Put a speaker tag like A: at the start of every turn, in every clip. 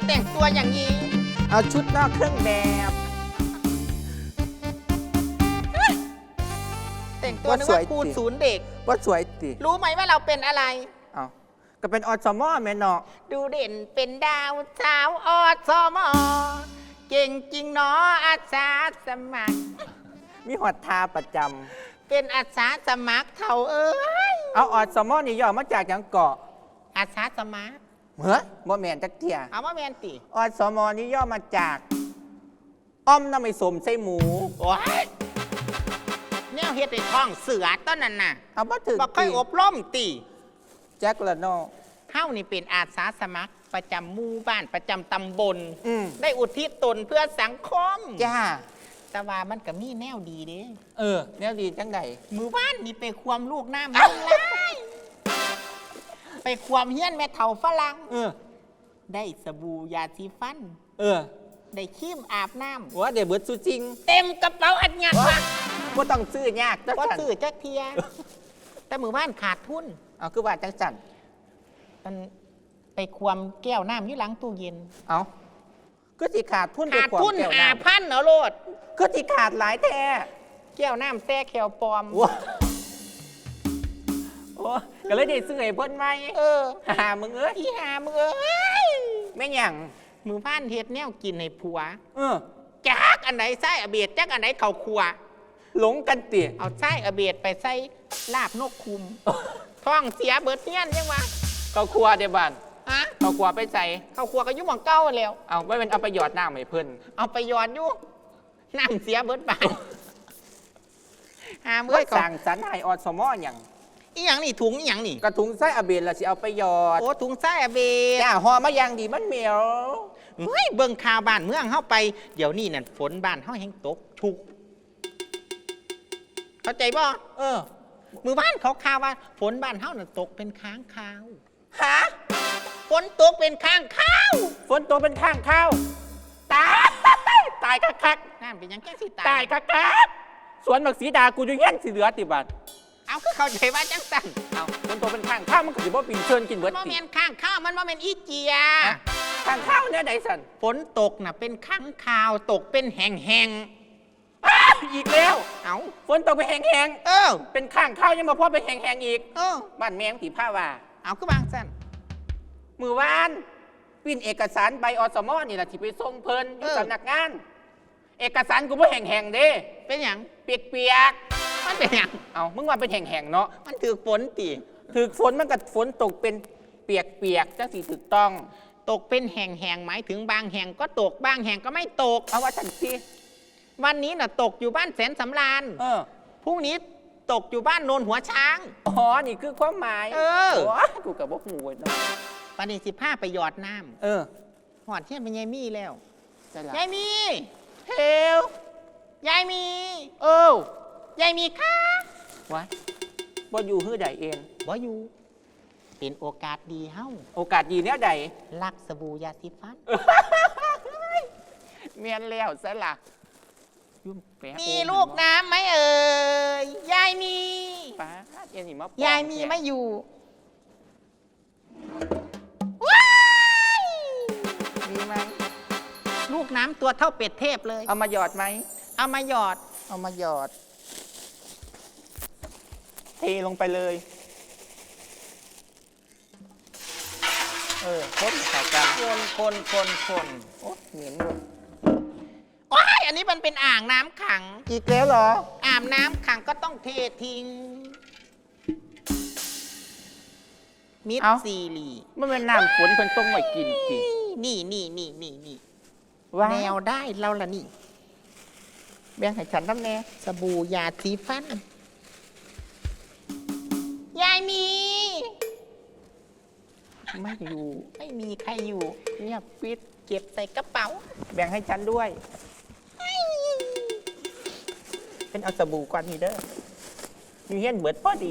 A: แต่งตัวอย่างนี้
B: เอาชุดนอกเครื่องแบบ
A: แต่งตัวนึกว่าครูศูนย์เด็ก
B: ว่าสวยติ
A: รู้ไหมว่าเราเป็นอะไร
B: เอาก็เป็นอสมแม่เนาะ
A: ดูเด่นเป็นดาวสาวอสมเก่งจริงเนาะอาสาสมัคร
B: มีหอดทาประจ
A: ำเป็นอาสาสมัครเขาเอ้ย
B: เอาอสมนี่ย่อมาจากหยังเกาะ
A: อาสาสมัคร
B: เฮ้ยบ่แม่นจักเที่ย
A: เอาว่าแมนติ
B: อสมนี่ย่อมาจากอ้อมน้ำไม่สมใส่หมู
A: โอ้ยแนวเฮ็ดในท้องเสือต้นนั้นน่ะ
B: เอาบ่ถึง
A: บ่ค่อยอบรมติ
B: แจ็คละเนาะ
A: เฮ้านี่เป็นอาสาสมัครประจำหมู่บ้านประจำตำบลได้อุทิศตนเพื่อสังคม
B: จ้า
A: แต่ว่ามันก็มีแนวดีเด้
B: แนวดีจังใด
A: มือบ้านนี่ไปความลูกน้ำไม่ไล่ไปความเฮี้ยนแม่เฒ่าฝรั่งได้สบู่ยาสีฟันได้ครีมอาบน้ำ
B: ว่าเดี๋ยวเบิดสุจริง
A: เต็มกระเป๋าอัดยัดว่ะ
B: ก็ต้องซื้อยาก
A: ก็ซื้อจักเทียแต่มือบ้านขาดทุน
B: เอาคือว่าจังจัน
A: มันไปความแก้วน้ำอยู่หลังตู้เย็น
B: เอาก็สิขาดทุน
A: ขาดทุน5,000เนาะโลด
B: ก็สิขาดหลายแท้
A: แก้วน้ำแท้แขวปลอม
B: โอ้ก็เลยได้ซื้อให้เพิ่นไหมหามึงเอ้ย
A: หามึงเอ้ย
B: แม่งยัง
A: มือบ้านเฮ็ดแนวกินให้ผัวจักอันไหนไส้อเบียดจักอันไหนเข่าครัว
B: หลงกันเตี๋ย
A: เอาไส้อเบียดไปใส่ลาบนกคุมท้องเสียเบิดเงี้ยนยังวะ
B: เขาครัวเดี๋ยวบ้านเขาครัวไปใส่
A: เขาครัวก็ยุ่งหมองเก้าแล้ว
B: เอาไม่เป็นเอาไปหยอดน้ำให้เพิ่น
A: เอาไปหยอดยุ่งน้ำเสียเบิดบาน
B: หาเมื่อสั่งสรรให้อสมอย่าง
A: อีหยังนี่ถุงอีหยังนี่
B: กระถุงไส้อเบียดละสิเอาไปหยอด
A: โอ้ถุงไส้อเบียด
B: จ้าห่อมาอย่างดีมันเหมียว
A: เฮ้ยเบิ่งข่าวบ้านเมืองเข้าไปเดี๋ยวนี้นั่นฝนบ้านเข้าแห้งตกชุกเข้าใจบ่มือบ้านเขาข่าวว่าฝนบ้านเข้าน่ะตกเป็นค้างคาว
B: ฮะ
A: ฝนตกเป็นค้างคาว
B: ฝนตกเป็นค้างคาวตายคัก
A: นั่นเป็นยังแก่สิ
B: ตายคักสวนบักสีดากูจะแย่งสีเหลือติบัด
A: เอาคือเข้าใจว่าจังสั่น
B: เอาฝนตกเป็นค้างข้าวมันก็สิบ่ปีนเชิญกินเบิด
A: มันบ่แม่นค้างข้าวมันบ่แม่นอีเจีย
B: ค้างข้าวเนี่ยใดสั่น
A: ฝนตกน่ะเป็นค้างคาวตกเป็นแห้ง
B: อีกแล้ว
A: เอา
B: ฝนตกไปแห้งเป็นข้างข้าวยังมาพอไปแห้งอีกบ้านแมงถีผ้าว่า
A: เอาคือบางสั้น
B: มือวานปิ้นเอกสารใบอสมนี่แหละที่ไปส่งเพลินอยู่สำนักงานเอกสารกูไม่แห้งเด้
A: เป็นอย่าง
B: เปียก
A: มันเป็นอย่าง
B: เอามึงว่าเป็นแห้งเนาะ
A: มันถือฝนตี
B: ถือฝนมันกับฝนตกเป็นเปียกจังสีถูกต้อง
A: ตกเป็นแห้งหมายถึงบางแห่งก็ตกบางแห่งก็ไม่ตก
B: เอาว่าทันที
A: วันนี้น่ะตกอยู่บ้านแสนสำราญพรุ่งนี้ตกอยู่บ้านโนนหัวช้าง
B: อ๋อนี่คือความหมายกูกับพวกงูเนาะ
A: ปฏิ15ไปหยอดน้ำหอดเที่ยนเป็นยายมี่แล้วยายมี่
B: เฮล
A: ยายมี่ยายมี่ค่ะ
B: วะบ่อยู่ฮื้อใดเอง
A: บ่อยู่เป็นโอกาสดีเฮ้า
B: โอกาสดีเนี้ยใด
A: ลักสบู่ยาสีฟัน
B: เมียนแล้วซะล่ะ
A: มีลูกน้ำไหมเอ่ยยายมี
B: ป้าย
A: ายมีไม่อยู่
B: มีไหม
A: ลูกน้ำตัวเท่าเป็ดเทพเลย
B: เอามาหยอดไหม
A: เอามาหยอด
B: เทลงไปเลยคนข่าวกัน
A: คน
B: โอ้เหม็นเลย
A: โอ้ยอันนี้มันเป็นอ่างน้ำขัง
B: อีกแล้วเหรอ
A: อ่างน้ำขังก็ต้องเททิ้งมิดซีรี
B: มันเป็นน้ำฝนเป็นต้มไว้กิน
A: นี่แนวได้เราละนี่
B: แบ่งให้ฉันน้ำแน่
A: สบู่ยาสีฟันยายมี
B: ไม่อยู่
A: ไม่มีใครอยู่
B: เงียบปิด
A: เก็บใส่กระเป๋า
B: แบ่งให้ฉันด้วยเป็นเอาสบู่ก่อนนี่เด้อมีเห็นเบิดพอดี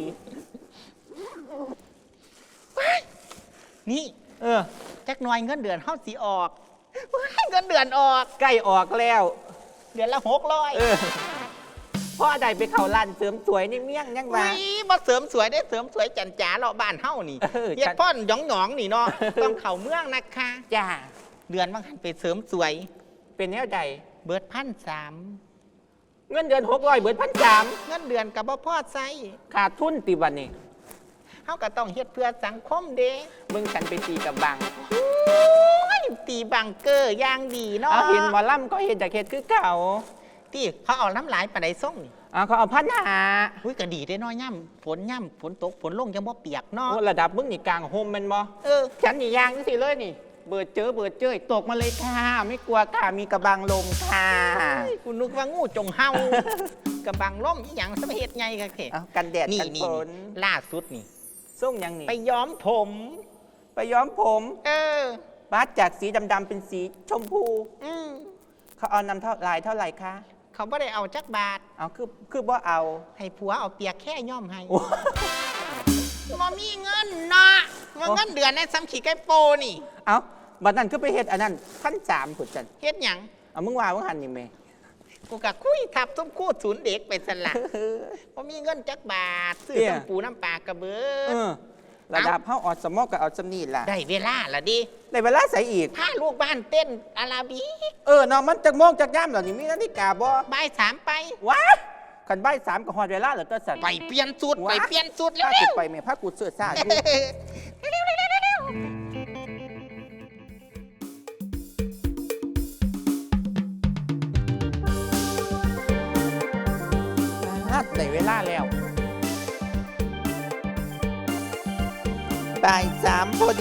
A: นี่จักหน่อยเงินเดือนเข้าสีออกเงินเดือนออก
B: ใกล้ออกแล้ว
A: เดือนละ
B: 600พ่อใดไปเข่าร้านเสริมสวยนี่เมี่ยงยังไง
A: มาเสริมสวยได้เสริมสวยจันจ๋าเราบ้านเฮ้านี่เฮ็ดพ่อนหยองนี่เนาะต้องเข่าเมืองนะคะ
B: จ้า
A: เดือนบางหันไปเสริมสวย
B: เป็นแนวใด
A: เบิด1,300
B: เงินเดือน600เบิด1,300
A: เงินเดือนกับบ่พอใช้
B: ขาดทุนติบัดนี้
A: เฮาก็ต้องเฮ็ดเพื่อสังคมเด้
B: มึงฉันไปตีกับบัง
A: โอ้ยตีบังเกอร์อย่างดีเนาะ
B: เอาเห็นหมอลำก็เห็นจากเฮ็ดคือเก่า
A: ที่เขาเอาน้ำหลายปานใดส่งนี่
B: เขาเอา1,500
A: อุ้ยก็ดีได้น้อยย่ำฝนตกฝนลงยังบ่เปียกเนาะ
B: โอ้ระดับมึงนี่กลางโฮมแมันบ่ ฉันนี่ยางนี่สิเลยนี่ เบิดเจอตกมาเลยค่ะ ไม่กลัวค่ะมีกระบังลมค่ะ
A: กูนึกว่างูจงเฮากระบังล่มอีหยังสะเฮ็ดไงกันเถ
B: เอากันแดด
A: นี่
B: กัน
A: นี่
B: ฝน
A: ล่าสุดนี่
B: ส่งยังนี่
A: ไปย้อมผม
B: ไปย้อมผม
A: อ
B: บัดจากสีดำๆเป็นสีชมพู
A: อืม
B: เขาเอานำเท่าลายเท่าไหร่คะ
A: เขาบ่ได้เอาจักบาท
B: เอาคือบ่เอา
A: ให้ผัวเอาเปียกแค่ย่อมให้
B: โอ้
A: บ่มีเงินเนาะเงินเดือนในซ้ำขี้ไก่โปนี่
B: เอาบัดนั้นคือไปเฮ็ดอันนั้น1,300ผุดจัน
A: เฮ็ดหยัง
B: เอามึงว่ามึงหันนี่แม่
A: กูกะคุยทับส้มคู่ศูนย์เด็กไปสละบ่มีเงินจักบาทซื้อน้ำปูน้ำปลากระเบิ
B: เอ
A: ด
B: อระดับเฮาออดสมอกกับเอาสำนีล่ะ
A: ได้เวลาละดิ
B: ในเวลาใส่อีก
A: พาลูกบ้านเต้นอาราบิก
B: เนาะมันจักโมงจักย่ำเหล่านี้มีนาฬิกาบ่
A: บ่าย3ไป
B: ว้าคันบ่าย3ก็ฮอดเวลาแล้วตัวสัน
A: ไปเปลี่ยนสูตร
B: ว้า
A: ไปเปลี่ยนสูตรเร็
B: ถ้าว สิไปแม่พากูเสื้อซ่าอยู่
A: เร็วเร็วเร็วเร็วเร็ว
B: ได้เวลาแล้วบ่าย3พอดี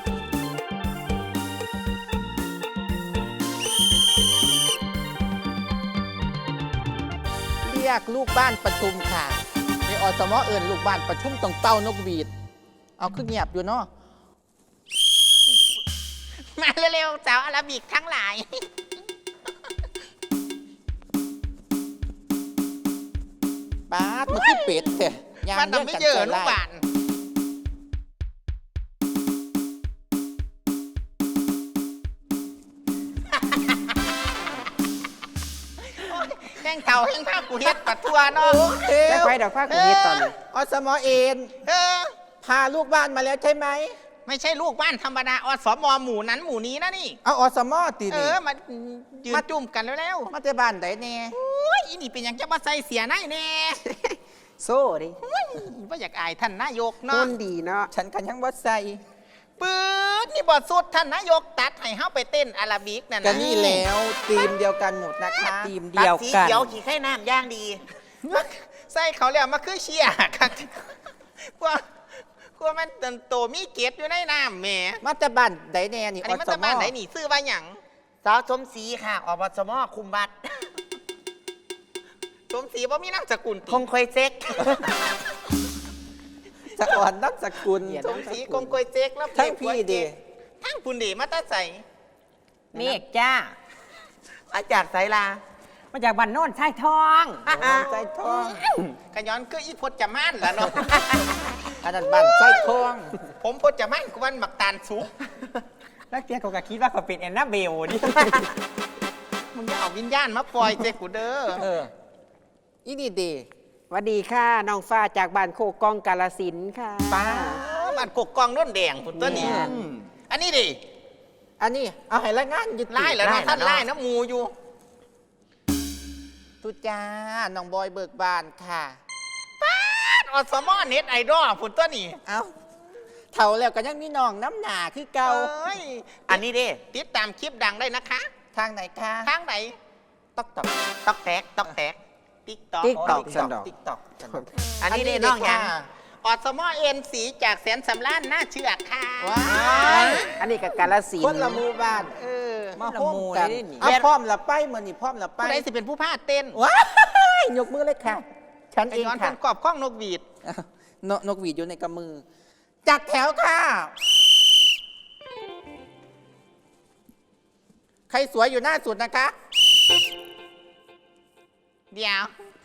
B: เรียกลูกบ้านประชุมค่ะในอสมเอิญลูกบ้านประชุมตรงเต้านกหวีด เอาขึ้นเงียบอยู่เนาะ
A: มาเร็วๆสาวอาราบิกทั้งหลาย
B: ป๊าดมันคือเป็ดแท้ยาง
A: มัน
B: เรื่อง
A: ทำไม่
B: กัน
A: เยอะ
B: ใจ
A: ลูก
B: ร้าย
A: บ้านแห้งเต่าแห้งผ้ากูเฮ็ดปัดทัวเนาะ
B: แจ้งไปดอกฟ้าคุณนิดตอนนี้อสมเอ็น
A: เออ
B: พาลูกบ้านมาแล้วใช่ไหม
A: ไม่ใช่ลูกบ้านธรรมดาอสมหมู่นั้นหมู่นี้นะนี่
B: เอาอสมตี
A: เอ
B: นี่
A: อมายืนจุ่มกันแล้ว
B: มาแต่บ้านไหนแน่
A: โอ้ยอีนี่เป็นหยังจะมาใส่เสียนายแน่
C: โซ่ดิ
A: ว่าอยากอายท่านนายก
C: คุ
A: เนาะ
C: ณดีเนาะ
B: ฉันกันยังว่าใส่
A: ปืดนี่บอดสุดท่านนายกตัดให้เฮาไปเต้นอาราบิกนั่น
B: กั
A: นะ
B: นนี่แล้วทีมเดียวกันหมดนะคะ
C: ทีมเดียวกัน
A: เขียวขี่ไข่น้ำย่างดีใส่เขาแล้วมาคือเชียร์ครับกลัวมันโตมีเกล็ดอยู่ในน้ำแหม่
B: มาแต่บ้านไหนแน่นี่
A: อัน
B: อ
A: นี้มัน
B: ส
A: จะ
B: ม
A: บ้านไหนนี่ซื้อว่าหยัง
C: สาวสมศรีค่ะอบสมคุมบัตร
A: สมศรีว่ามีนามสกุลติ
C: คงคอยเซ็ก
B: จะอ่อนนับสกุล
A: สมศรีกงกวยเจ๊กแล้ว
B: ทั้งพี่ดี
A: ทั้งคุณดีมาตาใส่
C: เมฆจ้า
A: อาจารย์ไสลา
C: มาจากบ้านโน่นชายทอง
B: ใจทอง
A: กระย้อนคืออีพจจะม่านล่ะเนาะ
B: อันนั้นบ้านใจทอง
A: ผมพจจะม่านกวันหมักตาลสุก
C: แล้วเตี้ยเขาก็คิดว่าเขาเป็นแอนนาเบลดิ
A: มึงจะเอาวิญญาณมาปล่อยเจกูเด้อ
B: อีนี่ดี
C: สวัสดีค่ะน้องฟ้าจากบ้านโคกองกาลสินธุ์ค่ะ
B: ป้า
A: มันกกกองน้นแดงคุณตัวนี้
C: แม่น
A: อันนี้ดิ
B: อันนี้เอาให้ละงานยุติ
A: ไล่แล้วเนาะท่านไล่นะหมูอยู่
B: ตุจ้าน้องบอยเบิกบานค่ะ
A: อสมอเน็ตไอดอลคุณตัวนี้
B: เอ้าเท่าแล้วก็ยังมีน้องน้ำหนาคือเก่า
A: เอ้ย
C: อันนี้ดิ
A: ติดตามคลิปดังได้นะคะ
B: ทางไหนคะ
A: ทางไหน
B: ต๊อกต๊อก
A: ตอกแตกตอกแตกติ๊กตอก
C: TikTok สันดอก
B: ติ๊กต๊อก
C: อันนี้ดิน้องหยัง
A: อสมอเอ็นสีจากแสนสำล้านหน้าเชือกค่ะ
B: ว้า
C: อันนี้กับกาลสิน
B: คน
C: ธุ์
B: ละหมู่บ้าน
A: เออ
B: มาโฮมกัน
C: คนละหมู่เลยนี่
B: เอาพร้อมละไปเหมือนนี่พร้อมละไป
A: ผู้ใดสิเป็นผู้พาเต้น
B: ว้ายยกมือเลยค่ะ ฉัน
A: ไอ
B: เอง
A: ย้อนเป็
B: ค่ะ
A: นกรอบข้องนกหวีด
B: นกหวีดอยู่ในกำมือ จัดแถวค่ะ ใครสวยอยู่หน้าสุดนะคะ
A: เดี๋ยว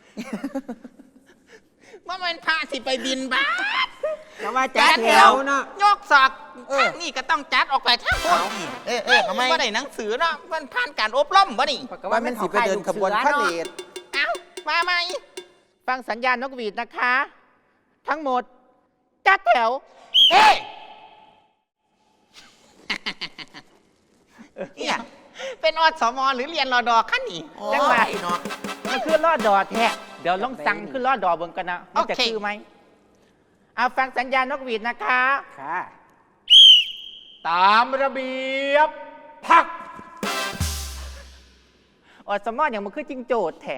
A: ว่ามันพาสิไปบินบ้าส
C: แล้วว่าจัดแถวเนาะ
A: ยกศอกทางนี่ก็ต้องจัดออกไปทั้งหมด
C: ทำไม
A: ว่าได้หนังสือเนาะมันผ่านการอบรมบ่นี่
B: ว่ามันสิไปเดินขบวนพาเหรด
A: เอ้ามาไหม
B: ฟังสัญญาณนกหวีดนะคะ ทั้งหมด จัดแถว
A: เอ๊ะ
D: เนี่ย
A: เป็นอสมหรือเรียนรอดอขั้นนี่
D: โอ้
B: จังหวะ
D: ยเนาะ
B: มันคือลอดดอแท้เดี๋ยวลองสั่งขึ้นลอดดอเบิ่งกันนะมันจะ
A: โอเค
B: คือไหมเอาฟังสัญญาณนกหวีดนะคะ
C: ค่ะ
B: ตามระเบียบพักอดสมออย่างมันคือจิงโจดแท้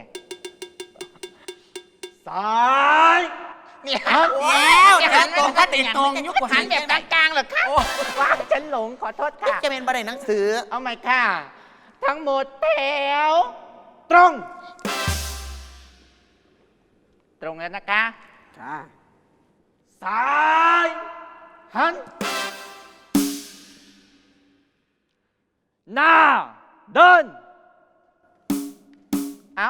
B: ซ้าย
A: เนี่ย
D: แล้ว
A: หัน
D: ตรงก็ติดตรง
A: ยุคหันแบบกลางๆเหรอคะ
B: ว้าฉันหลงขอโทษค่ะ
D: จะเป็นบันไดหนังสือ
B: เอาใหม่ค่ะ ทั้งหมดแถว ตรง ตรงแล้วนะคะ
C: ค่ะ
B: ซ้ายหัน หน้า เดิน เอา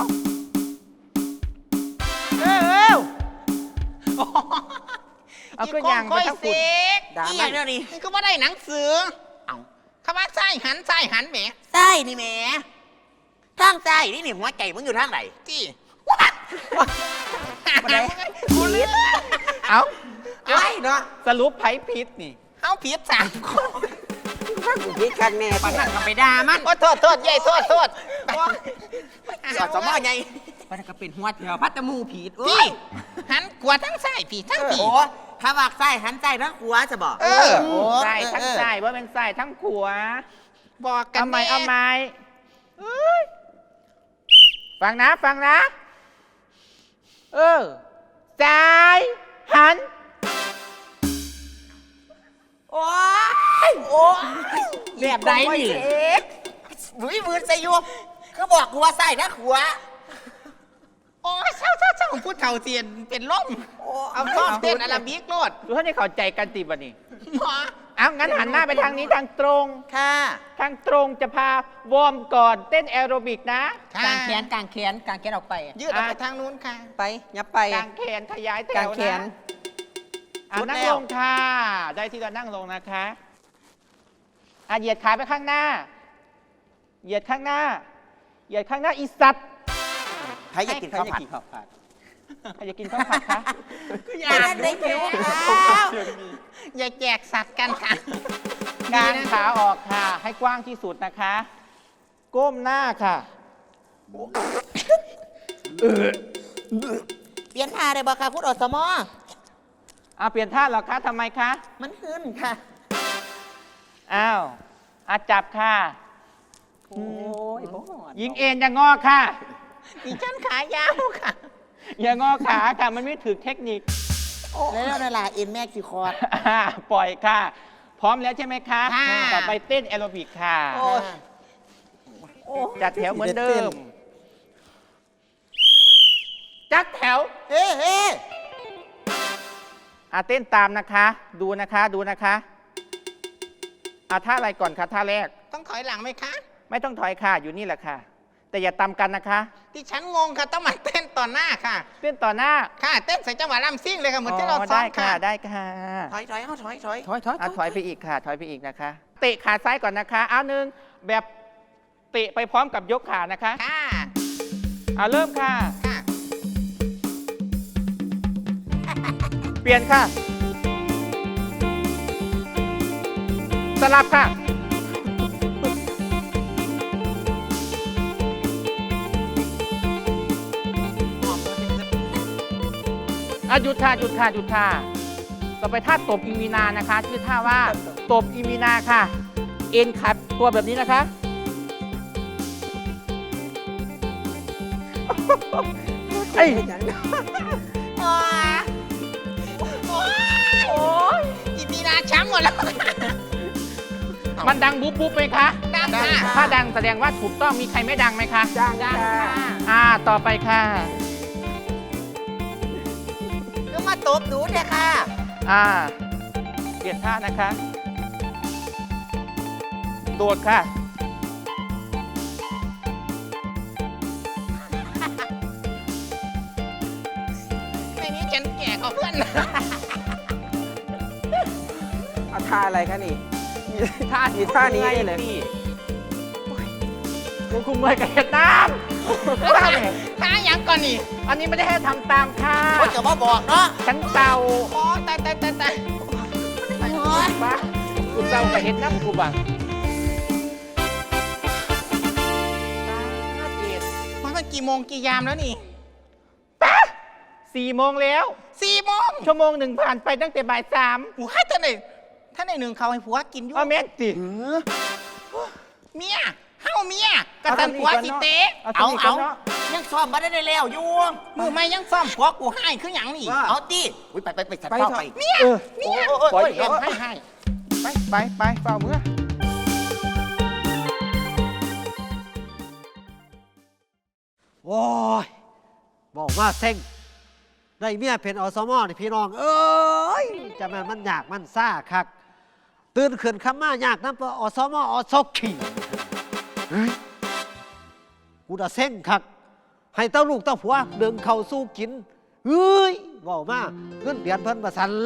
B: เอาขึ้นยาง
A: ค่อย
B: ทั้ง
A: เส
B: ฝุ่น
A: ก
D: อีอย่างเดียวนี่
A: นี่ก็ว่าได้หนังสือ
D: เอา
A: คำว่าไส้หันแหม
D: ไส้นี่แหม่ทางไส้นี่หัวใจมึงอยู่ทางไหน
A: จี้วัด
D: บันได
A: กูเลือก
B: เอา
D: ไอ้เนาะ
B: สรุปไผ่พิษนี่
A: เอาผิด3 คน
C: ฟังกูพี่คักแน่
D: ปานนั่นก็ไปด่ามัน
A: โอ้โทษเย่โทษ
D: สอดสมอไงมันก็เป็นหัวเถียวพัตตมูผีด
A: จี้หันขวาทั้งซ้ายผีทั้งผี
D: โอ้ถ้าว่าไส้หันไส้ทั้งหัวจะบอก
A: เออ
D: โอ้
B: ใส่ทั้งใส่ว่าเป็นใส่ทั้งขวา
A: บอกกัน
B: เอาไหม
A: แน่
B: เอาไหมเอ้ยฟังนะ ซ้ายหัน
D: โอ้ยแบบไหนนี่บุ้ยมือใส่อยู่คือบอกหัวไส้นะหัว
A: โอ้ยเช่าพูดเท่าเทียนเป็นล่มเอาต้อนเต้นอาราบิกโลด
B: ดูท่านได้เข้าใจกันติบันนี่
A: หมอ
B: เอางั้นหันหน้าไปทางนี้ทางตรง
D: ค่ะ
B: ทางตรงจะพาวอร์มก่อนเต้นแอโรบิกนะ
A: ค่ะ
D: กางแขนออกไป
A: ยืดออกไปทางนู้นค่ะ
C: ไปยับไป
B: กางแขนขยายแถ
C: กาง
B: ว
C: แขน
B: นะอ่ะ
D: สุด
B: นั่ง
D: แล้ว
B: ลงค่ะ ได้ที่เรานั่งลงนะคะอ่ะเหยียดขาไปข้างหน้า เหยียดข้างหน้า เหยียดข้างหน้าอีสัตว์
D: ใครอยากกินข้าวผัด
B: ใครจะกินข้าวผัดคะ
D: อยากได้หิวข้าว
A: อย่าแจกสัตว์กันค่ะ
B: กางขาออกค่ะ ให้กว้างที่สุดนะคะ ก้มหน้าค่ะ
D: เปลี่ยนท่าได้บ่ค่ะคุณอสมอ
B: เอาเปลี่ยนท่าเหรอคะทำไมคะ
D: มันขึ้นค่ะ
B: อ้าวอาจับค่ะ
C: โอ้ยบ่
B: ยิงเอ็นอย่างงอค่ะ
A: ดิฉันขายาวค่ะ
B: อย่างงอขาค่ะ มันไม่ถือเทคนิค
D: แล้วนั่นล่ะเอ็นแม่กี่คอร์ด
B: ปล่อยค่ะ พร้อมแล้วใช่ไหมคะ
A: ค่ะ
B: ต่อไปเต้นแอโรบิกค่ะ จัดแถวเหมือนเดิม จัดแถว
D: เฮ้เฮ้
B: เต้นตามนะคะ ดูนะคะท่าอะไรก่อนคะท่าแรก
A: ต้องถอยหลังไหมคะ
B: ไม่ต้องถอยค่ะ อยู่นี่แหละค่ะ แต่อย่าตำกันนะคะ
A: ดิฉันงงค่ะต้องมาเต้นต่อหน้าค่ะ
B: เต้นต่อหน้า
A: ค่ะเต้นใส่จังหวะลำซิ่งเลยค่ะเหมือนที่เราซ้อ
B: ได้
A: ม
B: ค่ะ
A: ค่ะ
B: ได้ค่ะ
D: ถอยเอาถอย
C: ถอย
B: ถอยไปอีกค่ะ ถอยไปอีกนะคะ เตะขาซ้ายก่อนนะคะ เอาหนึ่งแบบเตะไปพร้อมกับยกขานะคะ
A: ค่ะ
B: เริ่มค่ะ
A: ค่ะ
B: เปลี่ยนค่ะ สลับค่ะ หยุดค่ะต่อไปท่าตบอีมีนานะคะ ชื่อท่าว่าตบอีมีนาค่ะ เอ็นขัดตัวแบบนี้นะคะ เอ้ย
A: โอ้ยอีมีนาช้ำหมดแล้ว
B: มันดังบุ๊บบุ๊บไหมคะ
A: ดังค่ะ
B: ถ้าดังแสดงว่าถูกต้องมีใครไม่ดังไหมคะ
C: จ้าง
A: ดัง
C: ค่ะ
A: ค่ะ
B: ต่อไปค่ะ
D: ก็มาตบหนูเนี่ยค่ะ
B: เปลี่ยนท่านะคะ โดดค่ะ
A: ในนี้ฉันแก่กว่าเพื่อน
C: เอาท่าอะไรคะนี่มีท่านี้ได้เลย
B: คุณคุมเมย์กับเห็ดน้ำท่าเนี่ย
A: ท้ายังก่อนนี่
B: อันนี้ไม่ได้ให้ทำตามค่ะ
D: คนจะมาบอกเนาะ
B: ฉันเต่า
A: โอ้ตาย
B: บ้าคุณเต่ากับเห็ดน้ำกูบัง
A: กี่โมงกี่ยามแล้วนี่
B: 4 โมงแล้ว
A: 4 โมง
B: ชั่วโมงหนึ่งผ่านไปตั้งแต่บ่าย 3
A: โอ้ยท่านไหนหนึ่งเขาให้ผัวกินอยู่
B: เอาแม่ติ
A: เมียเฮาเมียกระสันผัวสิเตะ
C: เอาเอา
D: ยังซ้อมมาได้แล้วอยู่
A: มือไม่ยังซ่อมผัวกูให้คือหยังนี่
D: เอาดิอุ้ยไปสัตว์
C: ไป
D: เฝ้า
C: เถอะ
D: ไป
A: เมีย
C: โอ้
A: โอ้ยเอ็มให้
C: ไปเปล่าเมื่อ
E: โอ้ยบอกว่าเซ็งได้เมียเป็นอสมนี่พี่น้อง เอ้ยจะมันยากมันซ่าคัก ตื่นขึ้นคำมายากน้ำปอสมอสขี่เฮ้ยกูจะเซ็งคัก ให้เต้าลูกเต้าผัวเดินเข้าสู้กินเฮ้ยบอกมาเงินเดือนเพิ่นมาสั่น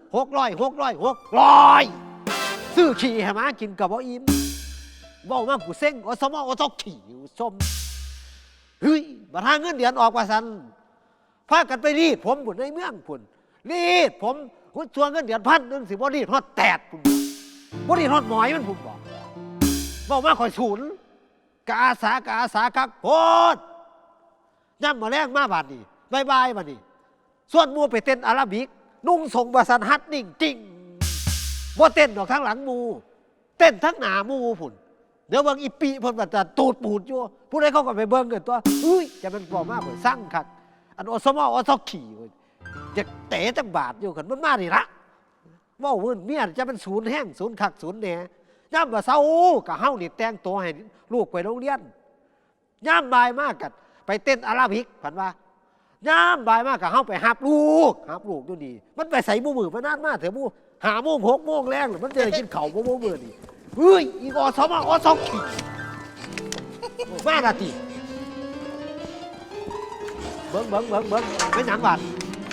E: 600ซื้อขี่ให้มากินกับบ่อิ่มบอกมากูเซ็งอสมอสขี่อยู่ส้ม เฮ้ยมาทางเงินเดือนออกว่าสันพากันไปรีดผมผุนในเมืองผุนรีดผมคุณชวนเงินเดือน1,000สิบ่รีดฮอดแตดผุนบ่รีดฮอดหมอยมันผุนบอกมาคอยศูนย์กะอาสาคักโพดย่ำมาแรงมาบาดนี้บายบาดนี้ส่วนมูไปเต้นอาราบิกนุ่งส่งบาสันฮัดนิ่งจริงบ่เต้นดอกทั้งหลังมูเต้นทั้งหน้ามูผุนเดี๋ยวเบิ่งอีปีเพิ่นว่าจะตูดปูดอยู่ผู้ใดเขาก็ไปเบิ่งกันตัวอุ้ยจะเป็นบ่มากเพิ่นสั่งคักอันอสมอสขี่เว้ยจะเตะจังบาดอยู่กันมันมานี่ละเว้ามื้อเมียจะเป็นศูนย์แห้งศูนย์คักศูนย์แหน่ยามว่าเช้าก็เฮานี่แต่งตัวให้ลูกไปโรงเรียนยามบ่ายมากกันไปเต้นอาราบิกเพิ่นว่ายามบ่ายมากก็เฮาไปหับลูกอยู่นี่มันไปใส่มื้อมานานมาเถอะ5 โมง 6 โมงแรงมันจะได้กินข้าวบ่มื้อนี่เฮ้ยอีกอสมอสขี่มาละติเบิ้งเป็นหยังบาด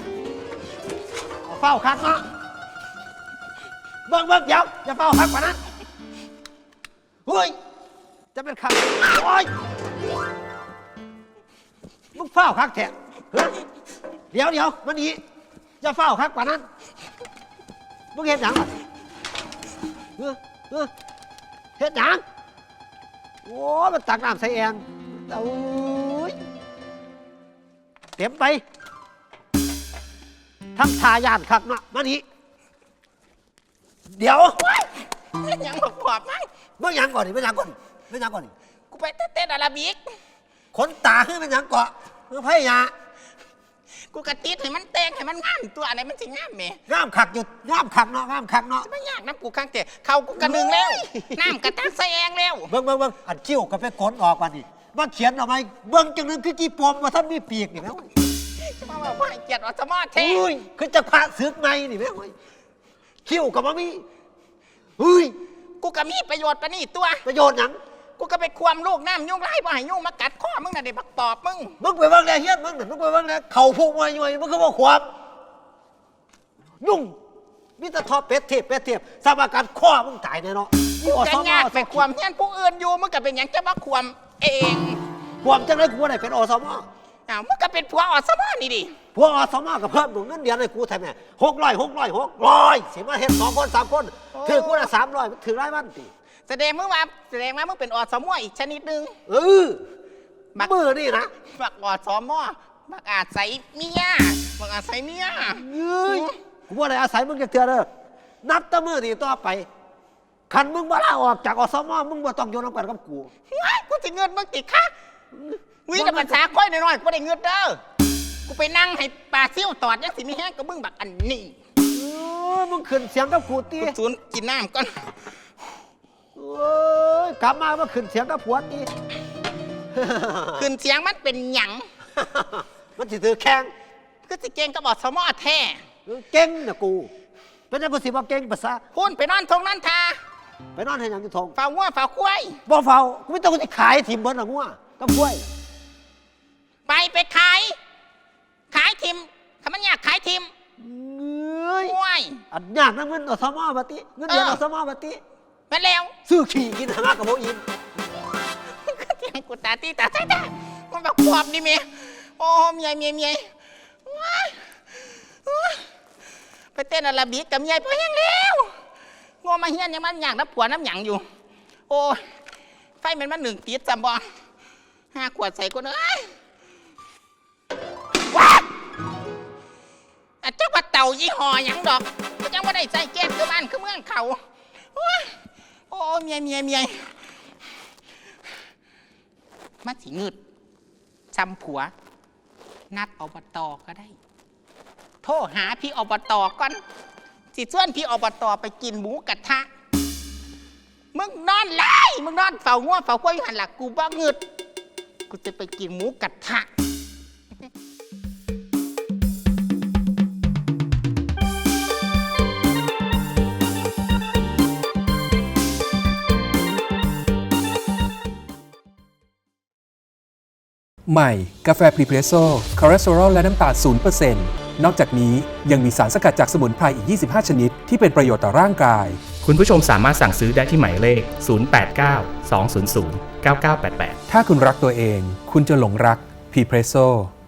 E: เฝ้าคักเนาะเบิ้งเดี๋ยวอย่าเฝ้าคักกว่านั้นเฮ้ยจะเป็นคักโอ้ยมึงเฝ้าคักแท้เดี๋ยวมันนี้อย่าเฝ้าคักกว่านั้นมึงเห็นหยังบาดเฮ็ดหยังโอ้มันตักน้ำใส่แองโอ้ยเต็มไปทั้งทายานคักเนาะมานี่เดี๋ยว
A: ยังบอกขอบมั้ง
E: เมื่อยังก่อนนี่
A: กูไปเต้นอาราบิก
E: ขนตาขึ้นเป็นยังเกาะเมื่อพยา
A: กูกระติดให้มันแต่งให้มันงามตัวอะไรมันสิงามแม่
E: งามคักอยู่งามคักเนาะ
A: ไม่ยากน้ำกูข้างเตะเขากูกระนึงแล้วน้ำกระตักใส่แองแล้ว
E: เบิ้งอันคิ้วก็ไปขนออกมานี่มาเขียนออกมาเบิ้งจังนึงคือกี่ปมว่าท่านมีปีกนี่แม่
A: มาบอกว่าเกียรติอสมอเท่
E: อุ้ยคือจะพระศึกในนี่แม่คิ้วก็บ่มีเฮ้ย
A: กูก็มีประโยชน์ปะนี่ตัว
E: ประโยชน์หยัง
A: กูก็ไปความลูกน้ำยุ่งไล่บ่ให้ยุ่งมากัดข้อมึงน่ะเด็กบักปอบมึง
E: มึงไปเบิ่งแลเฮียนมึงไปเบิ่งแลเข่าพุงมาอยู่มึงก็บ่ความยุ่งมีแต่ทอเป็ดเทพสร้างอาการข้อมึงตายแน่เนาะ
A: กูจะยากไปความเฮี้ยนผู้อื่นอยู่มึงก็เป็นอย่างจะมาความเอง
E: ความจังได๋กูบ่ได้เป็นอสม
A: อ้าวมึงก็เป็นผัวอสมอนี่ดิ
E: พวกอสมก็เพิ่มเงินเดือนให้กูแท้แม่600สิมาเฮ็ด2 คน 3 คนถือกูละ300มันถือรายวันติ
A: แสดงว่ามึงเป็นอสมออีกชนิดนึง
E: มือนี่นะ
A: บักอสมอบักอาศัยเมียบักอาศัยเมีย
E: กูบ่ได้อาศัยมึงจักเทื่อเด้อนับแต่มื้อนี้ต่อไปคันมึงบ่ลาออกจากอสมมึงบ่ต้องอยู่นำกันกับกู
A: กูจะเงินมึงติดค่ะวิ่งแต่ภาษาค่อยหน่อยๆกูได้เงินเด้อกูไปนั่งให้ปลาซิ่วตอดยังสิมีแห้งกับมึงบักอันนี้
E: มึงขึ้นเสียงกับกูติ
A: กูสูนกินน้ำก่อน
E: กลับมาขึ้นเสียงกับผัวติ
A: ขึ้นเสียงมันเป็นหยัง
E: มันสิถือแข้ง
A: ก็สิเก่งก็บอกสมอแท้
E: เก่งน่ะกูเป็นจังกูสิบ่เก่งภาษา
A: พูนไปนอนทงนั่นทา
E: ไปนอนให้หยังอยู่ทง
A: ฝ่าวัวฝ่าควาย
E: บ่เฝ้ากูไม่ต้องสิขายถิ่มเบิ่นน่ะงัวกับกล้วย
A: ไปขายทิมทำมันอยากขายทิม
E: เอ้ย
A: ควาย
E: อันยากนะเงินอสมบัติเงินเดือนอสมบัติ
A: มาแล้ว
E: ซื้อขี่กินหากับโมอิน
A: ก็เถียงกูตาตีตาใช่มันแบบปอบดิเมียโอ้เมียว้ายไปเต้นอาราบิกกับเมียพอยังแล้วงอมาเฮียนยังมันอยากน้ำผัวน้ำหยังอยู่โอ้ไฟมัน1 ติดจำบ่5 ขวดใส่กูเอ้ยยี่ห้อหยังดอกก็ยังว่าได้ใส่แก๊สคือบ้านคือเมืองเขาโอ้ยโอ้เมียมาสิงึดซ้ำผัว นัดอบต.ก็ได้ โทรหาพี่อบต.ก่อนสิชวนพี่อบต.ไปกินหมูกระทะมึงนอนไล่มึงนอนเฝ้างัวเฝ้าควายอยู่หันหลักกูบ้างึดกูจะไปกินหมูกระทะ
F: ใหม่กาแฟพรีเพรสโซ่คอเลสเตอรอลและน้ำตาล 0% นอกจากนี้ยังมีสารสกัดจากสมุนไพรอีก 25 ชนิดที่เป็นประโยชน์ต่อร่างกาย
G: คุณผู้ชมสามารถสั่งซื้อได้ที่หมายเลข 089 200 9988
F: ถ้าคุณรักตัวเอง คุณจะหลงรักพรีเพรสโซ่